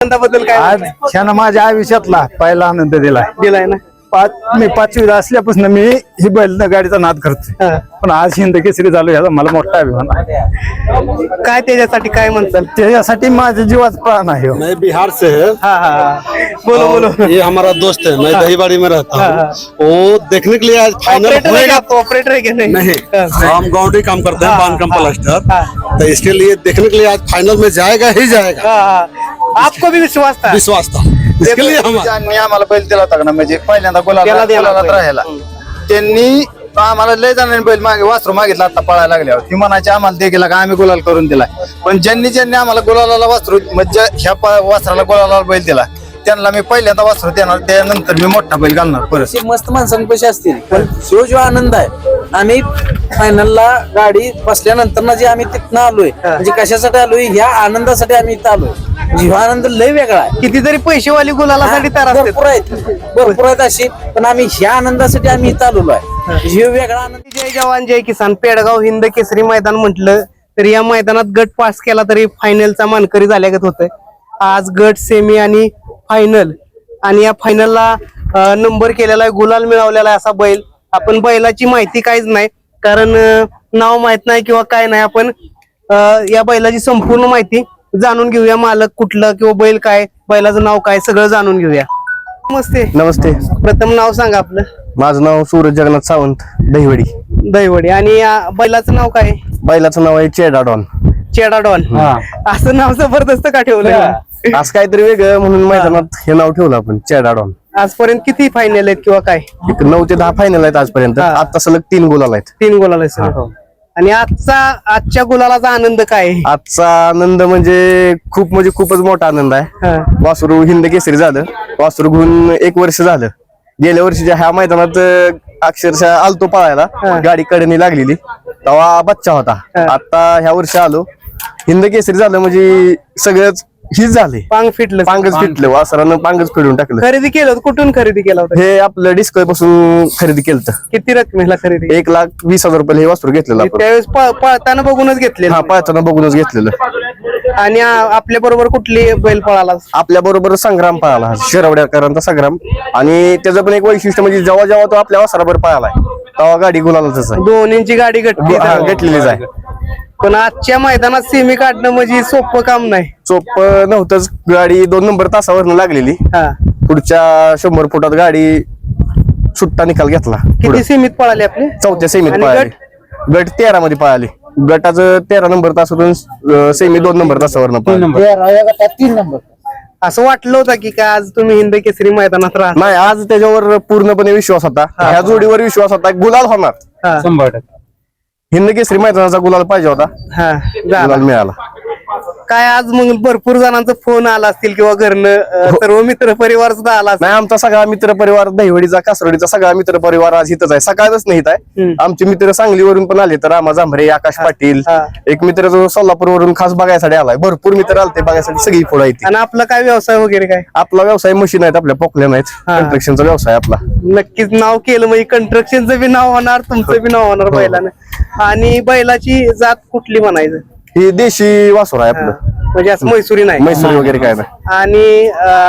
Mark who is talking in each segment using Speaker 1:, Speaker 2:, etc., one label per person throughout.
Speaker 1: आनंदाबद्दल काय
Speaker 2: आज ह्यानं माझ्या आयुष्यातला पहिला आनंद
Speaker 1: दिलाय ना?
Speaker 2: मी 5वीला असल्यापासून मी ही बैल गाडीचा नाद करतोय, पण आज हिंद केसरी झालो ह्याचा मला मोठा अभिमान आहे.
Speaker 1: काय त्याच्यासाठी काय म्हणतात?
Speaker 2: त्याच्यासाठी माझ्या जीवाचा प्राण आहे.
Speaker 3: मैं बिहार से है।
Speaker 1: बोलो बोलो.
Speaker 3: ये हमारा दोस्त है, मैं दहीबाड़ी में रहता हूँ। वो देखने के लिए आज फाइनल होएगा।
Speaker 1: ऑपरेटर है क्या?
Speaker 3: नहीं, हम गाउंडी काम करते हैं, बांध कम प्लास्टर, तो इसके लिए देखने के लिए आज फाइनल में जाएगा ही जाएगा।
Speaker 1: आपको भी विश्वास था?
Speaker 3: विश्वास था, इसके लिए हम
Speaker 2: ज्यांनी आम्हाला बैल दिला होता ना, म्हणजे पहिल्यांदा
Speaker 1: त्याला दिला
Speaker 2: गुलालात
Speaker 1: बैल.
Speaker 2: राहायला त्यांनी आम्हाला लय जणांनी बैल मागे वासरू मागितला आता पळायला लागल्यावर ती म्हणायची आम्हाला दे गेला का आम्ही गुलाल करून दिला. पण ज्यांनी आम्हाला गुलालाला वासरू म्हणजे ह्या वासराला गुलालाला बैल दिला त्यांना मी पहिल्यांदा वासरू देणार, त्यानंतर मी मोठा बैल घालणार परत.
Speaker 4: मस्त माणसांपाशी असतील, पण जो आनंद आहे आम्ही फायनलला गाडी बसल्यानंतर ना जे आम्ही तिथनं आलोय, म्हणजे कशासाठी आलोय, ह्या आनंदासाठी आम्ही इथं आलोय. जीव आनंद लय वेगळा आहे.
Speaker 1: कितीतरी पैसेवाली गुलालासाठी तयार असतात.
Speaker 4: भरपूर आहेत अशी, पण आम्ही ह्या आनंदासाठी आम्ही इथं आलेलो आहे. जीव वेगळा आनंद.
Speaker 1: जय जवान जय किसान पेडगाव हिंद केसरी मैदान म्हटलं तर या मैदानात गट पास केला तरी फायनलचा मानकरी झाल्यागत होतंय. आज गट सेमी आणि फायनल, आणि या फायनलला नंबर केलेला आहे, गुलाल मिळवलेला आहे असा बैल. आपण बैलाची माहिती काहीच नाही, कारण नाव माहित नाही किंवा काय नाही. आपण या बैलाची संपूर्ण माहिती जाणून घेऊया. मालक कुठलं किंवा बैल काय, बैलाचं नाव काय, सगळं जाणून घेऊया. नमस्ते.
Speaker 4: नमस्ते,
Speaker 1: प्रथम नाव सांगा आपलं.
Speaker 4: माझं नाव सूरज जगन्नाथ सावंत, दहीवडी.
Speaker 1: दहीवडी. आणि या बैलाचं नाव काय?
Speaker 4: बैलाचं नाव आहे चेडा डॉन.
Speaker 1: चेडा डॉन. असं नाव जबरदस्त का ठेवलं?
Speaker 4: आज काहीतरी वेगळं म्हणून मैदानात हे नाव ठेवलं आपण, चेडा डॉन.
Speaker 1: आजपर्यंत किती फायनल आहेत किंवा काय?
Speaker 4: 9 ते 10 फायनल आहेत आजपर्यंत. आता सलग 3 गुलाल आहेत.
Speaker 1: 3 गुलाल आहेत. आणि आजच्या गुलालाचा आनंद काय आहे?
Speaker 4: आजचा आनंद म्हणजे खूपच मोठा आनंद आहे. वासरू हिंद केसरी झालं, वासरू घेऊन 1 वर्ष झालं. गेल्या वर्षीच्या ह्या मैदानात अक्षरशः आलतो पळायला, गाडी कडेने लागलेली तेव्हा बच्चा होता. आता ह्या वर्षी आलो, हिंद केसरी झालं म्हणजे सगळंच हीच झाले.
Speaker 1: पांगच
Speaker 4: फिटलं, वासरानं पांगच फिरून टाकलं.
Speaker 1: खरेदी केलं होतं? कुठून खरेदी केलं होतं?
Speaker 4: हे आपलं डिस्को पासून खरेदी केलं.
Speaker 1: किती रकमेला खरेदी?
Speaker 4: 1,20,000 रुपये हे वासरू घेतलेलं आपण.
Speaker 1: त्यावेळेस पळताना बघूनच घेतलेलं?
Speaker 4: हा, पळताना बघूनच घेतलेलं.
Speaker 1: आणि आपल्या बरोबर कुठली बैल पळाला?
Speaker 4: आपल्या बरोबर संग्राम पळाला, शिरवड्याकरांचा संग्राम. आणि त्याचं पण एक वैशिष्ट्य म्हणजे जेव्हा तो आपल्या वासराबर पळालाय तेव्हा गाडी गुलालाच आहे.
Speaker 1: दोन्हींची गाडी
Speaker 4: घेतलेलीच आहे.
Speaker 1: पण आजच्या मैदानात सेमी काढणं म्हणजे सोपं काम नाही.
Speaker 4: सोपं नव्हतंच. गाडी 2 नंबर तासावरनं लागलेली. पुढच्या 100 फुटात गाडी सुट्टा निकाल घेतला.
Speaker 1: किती सेमीत पळाले आपले?
Speaker 4: 4थ्या सेमीत पळाली. गट 13 मध्ये पळाली. गटाचं 13 नंबर तासातून सेमी 2 नंबर तासावरनं पळाली.
Speaker 2: 3 नंबर.
Speaker 1: असं वाटलं होतं की काय आज तुम्ही हिंद केसरी मैदानात राहा?
Speaker 4: नाही, आज त्याच्यावर पूर्णपणे विश्वास होता. ह्या जोडीवर विश्वास होता. गुलाल होणार
Speaker 2: 100%.
Speaker 4: हिंद केसरी मैदानाचा गुलाल पाहिजे होता, गुलाल मिळाला.
Speaker 1: काय आज मग भरपूर जणांचा फोन आला असतील किंवा घरनं सर्व मित्र परिवार सुद्धा आला असेल?
Speaker 4: नाही, आमचा सगळा मित्र परिवार, दहिवडीचा कासरडीचा सगळा मित्र परिवार आज इथंच आहे. सकाळच नाही आहे. आमचे मित्र सांगलीवरून पण आले, तर रामा जांभरे, आकाश पाटील, एक मित्र जो सोलापूरवरून खास बघायसाठी आलाय. भरपूर मित्र आलते बघायसाठी, सगळी पुढे येते.
Speaker 1: आणि आपला काय व्यवसाय वगैरे काय?
Speaker 4: आपला व्यवसाय मशीन आहेत, आपल्या पोकल्या नाहीत, कन्स्ट्रक्शनचा व्यवसाय आपला.
Speaker 1: नक्कीच नाव केलं म्हणजे कंस्ट्रक्शनचं बी नाव होणार, तुमचं बी नाव होणार बैलानं. आणि बैलाची जात कुठली म्हणायचं?
Speaker 4: ही देशी वासुर आहे आपलं,
Speaker 1: म्हणजे असं मैसुरी नाही,
Speaker 4: मैसूरी वगैरे काय नाही.
Speaker 1: आणि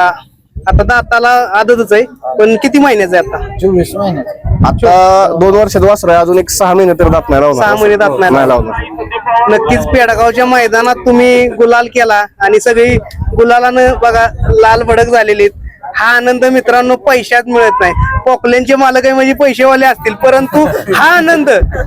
Speaker 1: आता दाताला आदतच आहे, पण किती महिन्याचं आहे आता?
Speaker 2: 24 महिने.
Speaker 4: आता 2 वर्षात वासर आहे, अजून एक 6 महिने तर दात नाही लावणार.
Speaker 1: 6 महिने दात नाही
Speaker 4: लावणार.
Speaker 1: नक्कीच पेडगावच्या मैदानात तुम्ही गुलाल केला आणि सगळी गुलालानं बघा लाल भडक झालेली. हा आनंद मित्रांनो पैशात मिळत नाही. पोकल्यांचे मालक आहे म्हणजे पैसेवाले असतील, परंतु हा आनंद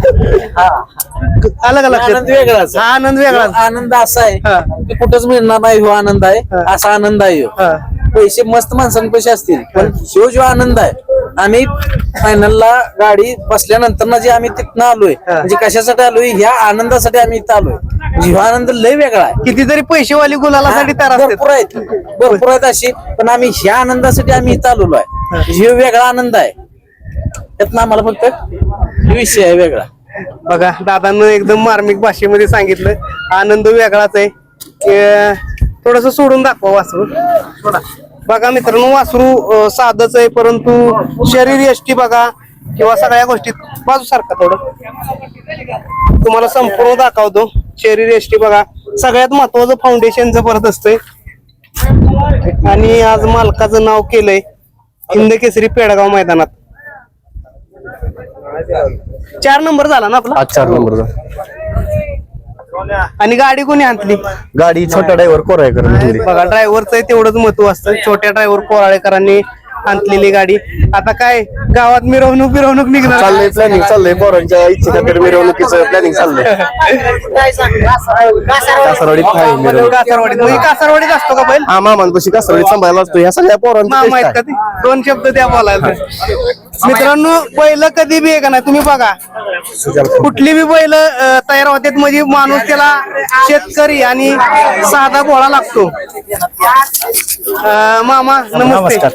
Speaker 1: अलग अलग
Speaker 4: वेगळाच.
Speaker 1: हा आनंद वेगळा.
Speaker 4: आनंद असा आहे की कुठंच मिळणार नाही. हो आनंद आहे, असा आनंद आहे. पैसे मस्त माणसांपाशी असतील, पण जो आनंद आहे आम्ही फायनलला गाडी बसल्यानंतर ना जे आम्ही तिथनं आलोय, म्हणजे कशासाठी आलोय, ह्या आनंदासाठी आम्ही इथं आलोय. जीव आनंद लय वेगळा आहे.
Speaker 1: कितीतरी पैसेवाली गुलालासाठी तयार असतात.
Speaker 4: भरपूर आहेत अशी, पण आम्ही ह्या आनंदासाठी आम्ही इथं आलेलो आहे. जीव वेगळा आनंद आहे. त्यातनं आम्हाला फक्त विषय आहे वेगळा.
Speaker 1: बघा दादांना एकदम मार्मिक भाषेमध्ये सांगितलं, आनंद वेगळाच आहे. थोडस सोडून दाखवा वासरू थोडा. बघा मित्रांनो, वासरू साधच आहे, परंतु शरीर यष्टी बघा किंवा सगळ्या गोष्टीत बाजूसारखा थोडं तुम्हाला संपूर्ण दाखवतो. शरीर यष्टी बघा, सगळ्यात महत्वाचं फाउंडेशन जबरदस्त आहे. आणि आज मालकाचं नाव केलंय हिंद केसरी पेडगाव मैदानात. 4 नंबर झाला ना आपला.
Speaker 4: आज 4 नंबरचा.
Speaker 1: आणि गाडी कोणी आणली?
Speaker 4: गाडी छोटा ड्रायव्हर कोरायकर हिंदी.
Speaker 1: बघा ड्रायव्हरचं तेवढंच महत्व असतं. छोट्या ड्रायव्हर कोराळेकरांनी आणलेली गाडी. आता काय गावात मिरवणूक निघणार.
Speaker 4: चाललंय प्लॅनिंग चाललंय पोरांच्या इच्छेखातर मिरवणुकीचं प्लॅनिंग चाललंय. कासारवाडीत आहे मिरवणूक.
Speaker 1: कासारवाडीत म्हणजे कासारवाडीत असतो का बैल?
Speaker 4: हा मामांपाशी कासारवाडीत सांभाळायला असतो. ह्या सगळ्या पोरांचा
Speaker 1: मामा आहेत का ते? 2 शब्द द्या बोलायला. मित्रांनो बैल कधी बी आहे का नाही तुम्ही बघा कुठली बी बैल तयार होतात म्हणजे माणूस त्याला शेतकरी आणि साधा भोळा लागतो. मामा नमस्ते.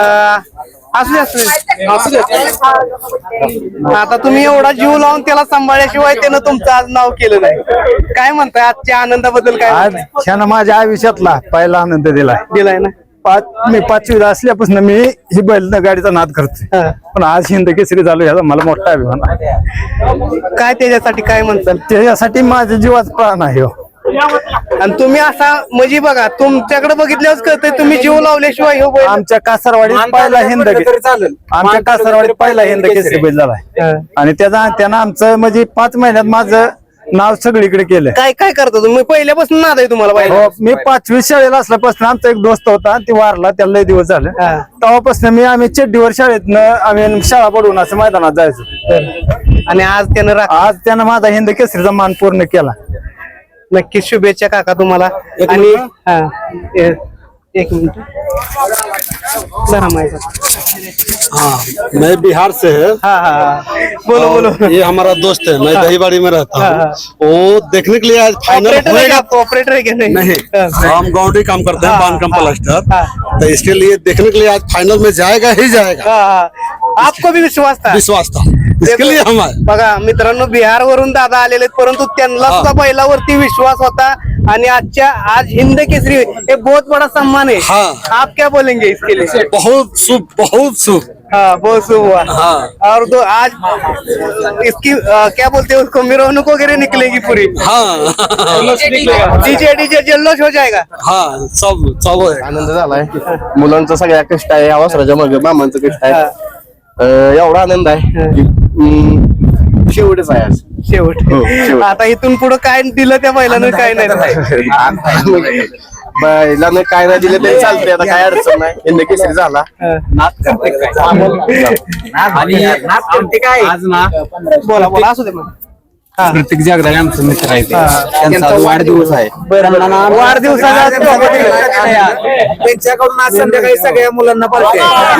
Speaker 1: असू दे. आता तुम्ही एवढा जीव लावून त्याला सांभाळल्याशिवाय त्यानं तुमचं आज नाव केलं नाही. काय म्हणताय आजच्या आनंदाबद्दल? काय
Speaker 2: आज ह्यानं माझ्या आयुष्यातला पहिला आनंद
Speaker 1: दिलाय ना?
Speaker 2: मी 5वीला असल्यापासून मी ही बैल गाडीचा नाद करतोय. पण आज हिंद केसरी झालो ह्याचा मला मोठा अभिमान आहे.
Speaker 1: काय त्याच्यासाठी काय म्हणताल?
Speaker 2: त्याच्यासाठी माझ्या जीवाचा प्राण आहे हो.
Speaker 1: आणि तुम्ही असा म्हणजे बघा तुमच्याकडे बघितल्यावर कळतंय तुम्ही जीव लावल्याशिवाय हो बैल.
Speaker 2: आमच्या कासारवाडीत पहिला हिंद आमच्या कासारवाडीत पहिला हिंद केसरी बैल झालाय. आणि त्यानं आमचं म्हणजे 5 महिन्यात माझं नाव सगळीकडे केलं.
Speaker 1: काय काय करता तुम्ही? पहिल्यापासून नाद आहे तुम्हाला बैल?
Speaker 2: हो, मी 5वी शाळेला असल्यापासून आमचा एक दोस्त होता ती वारला त्याला लय दिवस झाले. तेव्हापासून आम्ही चड्डीवर शाळेतनं आम्ही शाळा पडून असं मैदानात जायचो.
Speaker 1: आणि आज
Speaker 2: त्यानं माझा हिंद केसरीचा मान पूर्ण केला.
Speaker 1: नक्कीच शुभेच्छा काका तुम्हाला. आणि एक मिनिट जरा माहिती.
Speaker 3: हाँ मैं बिहार से है।
Speaker 1: बोलो.
Speaker 3: ये हमारा दोस्त है, मैं दहीबाड़ी में रहता हूँ। वो देखने के लिए आज फाइनल होएगा।
Speaker 1: ऑपरेटर है क्या?
Speaker 3: नहीं, हम गाउंडी काम करते हैं, बांध कम प्लास्टर। तो इसके लिए देखने के लिए आज फाइनल में जाएगा ही जाएगा।
Speaker 1: आपको भी विश्वास था?
Speaker 3: विश्वास था, इसके लिए हम आए।
Speaker 1: बघा मित्रांनो बिहार वरून दादा आलेले परंतु त्यांना सुद्धा बैलावरती विश्वास होता. आणि आज हिंद केसरी एक बहुत बड़ा सम्मान है.
Speaker 3: हाँ।
Speaker 1: आप क्या बोलेंगे इसके लिए?
Speaker 3: बहुत शुभ, बहुत शुभ।
Speaker 1: हाँ बहुत शुभ हुआ.
Speaker 3: हाँ।
Speaker 1: और तो आज इसकी क्या बोलते हैं उसको मिरवणूक वगैरह निकलेगी पूरी.
Speaker 3: हाँ
Speaker 1: डीजे जल्लोष हो जाएगा.
Speaker 3: हाँ सब चालू है।
Speaker 4: आनंद झालाय. मुलांचा सगळ्या कष्ट आहे. अवसराच्या मागे मामांचं कष्ट आहे. एवढा आनंद आहे की शेवटच आहे आज.
Speaker 1: शेवट. आता इथून पुढे काय दिलं त्या बैलानं काय नाही.
Speaker 4: बैलानं काय नाही दिलं तरी चालतंय. आता काय अडचण नाही. हिंद केसरी झाला.
Speaker 1: बोला असू दे मग.
Speaker 5: प्रत्येक जगदाळे आमचं मित्र आहे ते. त्यांचा आज वाढदिवस आहे.
Speaker 1: वाढदिवसाचा
Speaker 5: त्यांच्याकडून आज संध्याकाळी सगळ्या मुलांना पालखी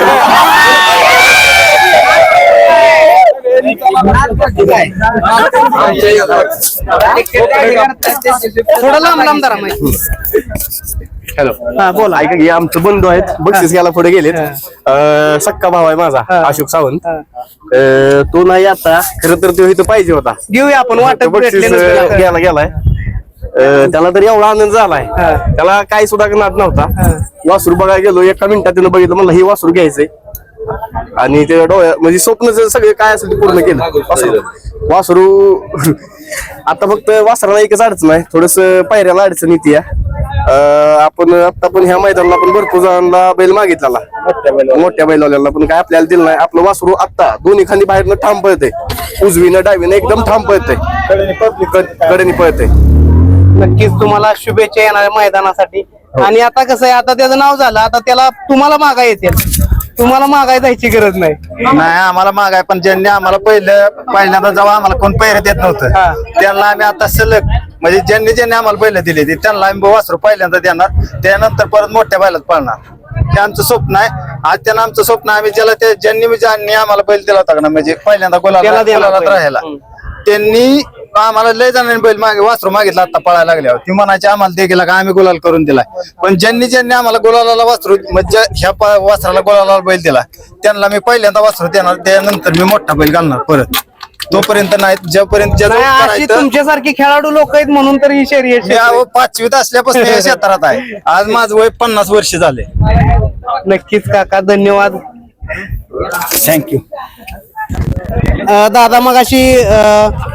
Speaker 1: थोडं लांब जरा माहिती.
Speaker 4: हॅलो
Speaker 1: हा बोला.
Speaker 4: ऐका की आमचं बंधू आहेत. बक्षीस घ्यायला पुढे गेलेत. सक्का भाव आहे माझा अशोक सावंत. तो नाही आता खरं तर तो इथं पाहिजे होता.
Speaker 1: घेऊया आपण वाटत
Speaker 4: बक्षीस घ्यायला गेलाय. त्याला तरी एवढा आनंद झालाय. त्याला काही सुद्धा नाद नव्हता. वासरू बघायला गेलो. एका मिनिटात त्यानं बघितलं म्हणलं हे वासरू घ्यायचंय. आणि ते डोळ्या म्हणजे स्वप्न सगळे काय असेल ते पूर्ण केलं. वासरू आता फक्त वासराला एकच अडचण आहे. थोडस पायऱ्याला अडचण येते. आपण आता पण ह्या मैदानाला पण भरपूर जणांना बैल मागितला मोठ्या बैलवाल्यांना पण काय आपल्याला दिलं नाही. आपलं वासरू आता दोन्ही खाली बाहेरनं ठाम पळतंय. उजवीनं डावीनं एकदम ठाम पळतंय. कडेने पळतंय.
Speaker 1: नक्कीच तुम्हाला शुभेच्छा येणाऱ्या मैदानासाठी. आणि आता कसं आहे आता त्याचं नाव झालं. आता त्याला तुम्हाला मागा येतील. तुम्हाला मागाय जायची गरज नाही.
Speaker 2: नाही आम्हाला मागाय पण ज्यांनी आम्हाला पहिल्यांदा जेव्हा आम्हाला कोण पैर देत नव्हतं त्यांना आम्ही आता सलग म्हणजे ज्यांनी आम्हाला पहिलं दिले त्यांना आम्ही वासरू पहिल्यांदा देणार. त्यानंतर परत मोठ्या बैलात पाळणार. हे आमचं स्वप्न आहे. आज त्यांना आमचं स्वप्न आम्ही ज्यांनी आम्हाला बैल दिला होता ना म्हणजे पहिल्यांदा गुलालात राहायला त्यांनी आम्हाला लय जणांनी बैल वासरू मागितला आता पळायला लागल्यावर ती म्हणायची आम्हाला ते गेला का आम्ही गुलाल करून दिलाय. पण ज्यांनी आम्हाला गुलाला वासरू म्हणजे ह्या वासराला गुलाला बैल दिला त्यांना मी पहिल्यांदा वासरू देणार. त्यानंतर मी मोठा बैल घालणार परत. तोपर्यंत नाही जोपर्यंत
Speaker 1: अशी तुमच्यासारखे खेळाडू लोक आहेत म्हणून तर ही शर्यत
Speaker 2: 5वीत असल्यापासून या क्षेत्रात आहे. आज माझं वय 50 वर्ष झाले.
Speaker 1: नक्कीच काका धन्यवाद.
Speaker 2: थँक्यू.
Speaker 1: दादा मग अशी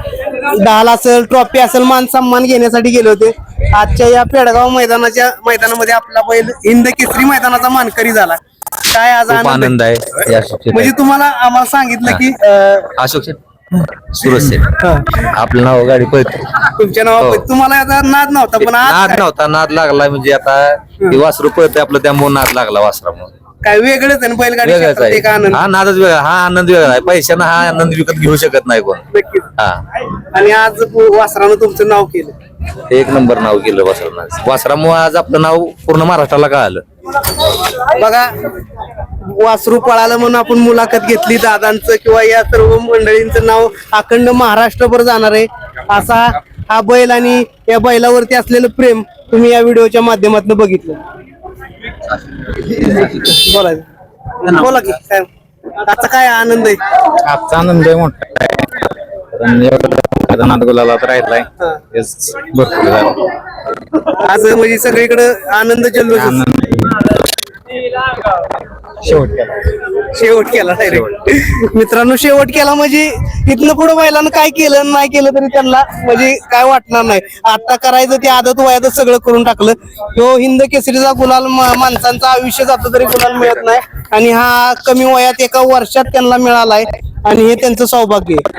Speaker 1: ढाल असेल, ट्रॉफी असेल, मान सन्मान घेण्यासाठी गेले होते. आजच्या या पेडगाव मैदानामध्ये आपला बैल हिंद केसरी मैदानाचा मानकरी झाला. काय आज
Speaker 6: खूप
Speaker 1: आनंद
Speaker 6: आनंद आहे या सुट्टीत.
Speaker 1: म्हणजे तुम्हाला आम्हाला सांगितलं की
Speaker 6: अशोक शेठ, सुरज शेठ आपलं नाव गाडी पळते.
Speaker 1: तुमच्या नावावर तुम्हाला याचा नाद नव्हता, पण आज
Speaker 6: नाद
Speaker 1: काय-
Speaker 6: नव्हता, नाद लागला म्हणजे आता ते वासरू पळते आपलं, त्यामुळे नाद लागला वासरामुळे.
Speaker 1: काय वेगळंच आहे ना बैलगाडी
Speaker 6: वेगळाच
Speaker 1: क्षेत्रात एक
Speaker 6: आहे,
Speaker 1: आनंद.
Speaker 6: हा नादच वेगळा, हा आनंद वेगळा आहे. पैशानं हा आनंद विकत घेऊ शकत नाही कोण.
Speaker 1: नक्कीच.
Speaker 6: हा
Speaker 1: आणि आज वासरानं तुमचं नाव केलं.
Speaker 6: एक नंबर नाव केलं वासरानं. वासरामुळे आज आपलं नाव पूर्ण महाराष्ट्राला कळालं.
Speaker 1: बघा, वासरू पळालं म्हणून आपण मुलाखत घेतली. दादांचं किंवा या सर्व मंडळींचं नाव अखंड महाराष्ट्रभर जाणार आहे. असा हा बैल आणि या बैलावरती असलेलं प्रेम तुम्ही या व्हिडिओच्या माध्यमातून बघितलं. बोला बोला की काय आजचा काय आनंद आहे.
Speaker 2: आजचा आनंद आहे मोठा आहे. कारण एवढा नाद गुलालात राहिलाय हेच भरपूर झालं.
Speaker 1: आज म्हणजे सगळीकडे आनंद जल्लोष. शेवट केला डायरेक्ट. मित्रांनो, शेवट केला म्हणजे इथनं पुढे बैलानं काय केलं नाही केलं तरी त्यांना म्हणजे काय वाटणार नाही. आता करायचं ते आदत वयातच सगळं करून टाकलं. तो हिंद केसरीचा गुलाल माणसांचं आयुष्य जातं तरी गुलाल मिळत नाही, आणि हा कमी वयात एका वर्षात त्यांना मिळालाय आणि हे त्यांचं सौभाग्य आहे.